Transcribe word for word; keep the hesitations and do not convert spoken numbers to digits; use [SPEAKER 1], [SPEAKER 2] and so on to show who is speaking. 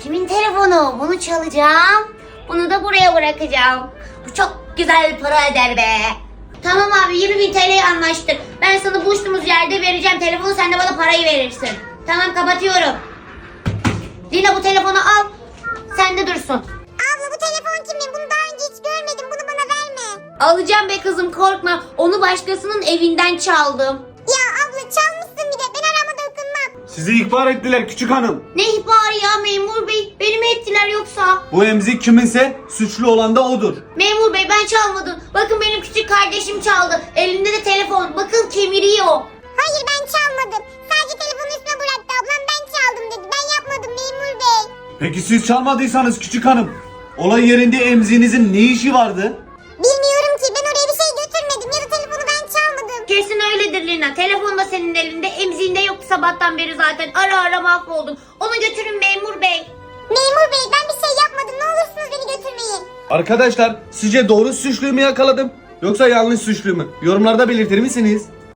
[SPEAKER 1] Kimin telefonu? Bunu çalacağım. Bunu da buraya bırakacağım. Bu çok güzel para eder be. Tamam abi, yirmi bin T L'ye anlaştık. Ben sana buluştuğumuz yerde vereceğim telefonu, sen de bana parayı verirsin. Tamam, kapatıyorum. Lina, bu telefonu al. Sen de dursun.
[SPEAKER 2] Abla bu telefon kimin? Bunu daha önce hiç görmedim. Bunu bana verme.
[SPEAKER 1] Alacağım be kızım, korkma. Onu başkasının evinden çaldım.
[SPEAKER 2] Ya abla çalmışsın bir de. Ben arama dokunmam.
[SPEAKER 3] Sizi ihbar ettiler küçük hanım.
[SPEAKER 1] Ne ihbarı ya memur bey? Beni mi ettiler yoksa?
[SPEAKER 3] Bu emzik kiminse suçlu olan da odur.
[SPEAKER 1] Memur bey, ben çalmadım. Bakın benim küçük kardeşim çaldı. Elinde de telefon. Bakın kemiriyor.
[SPEAKER 2] Hayır, ben çalmadım. Sadece telefonu üstüne bıraktı ablam. Ben çaldım dedi. Ben yapmadım memur bey.
[SPEAKER 3] Peki siz çalmadıysanız küçük hanım, olay yerinde emziğinizin ne işi vardı?
[SPEAKER 2] Bilmiyorum ki. Ben oraya bir şey götürmedim. Ya da telefonu ben çalmadım.
[SPEAKER 1] Kesin öyledir Lina. Telefon da senin elinde. Emziğinde yoktu sabahtan beri zaten. Ara ara mahvoldum. Onu götürün memur bey.
[SPEAKER 2] Memur bey, ben bir şey yapmadım. Ne olursunuz beni götürmeyin.
[SPEAKER 3] Arkadaşlar, sizce doğru suçluyu mu yakaladım yoksa yanlış suçluyu mu? Yorumlarda belirtir misiniz?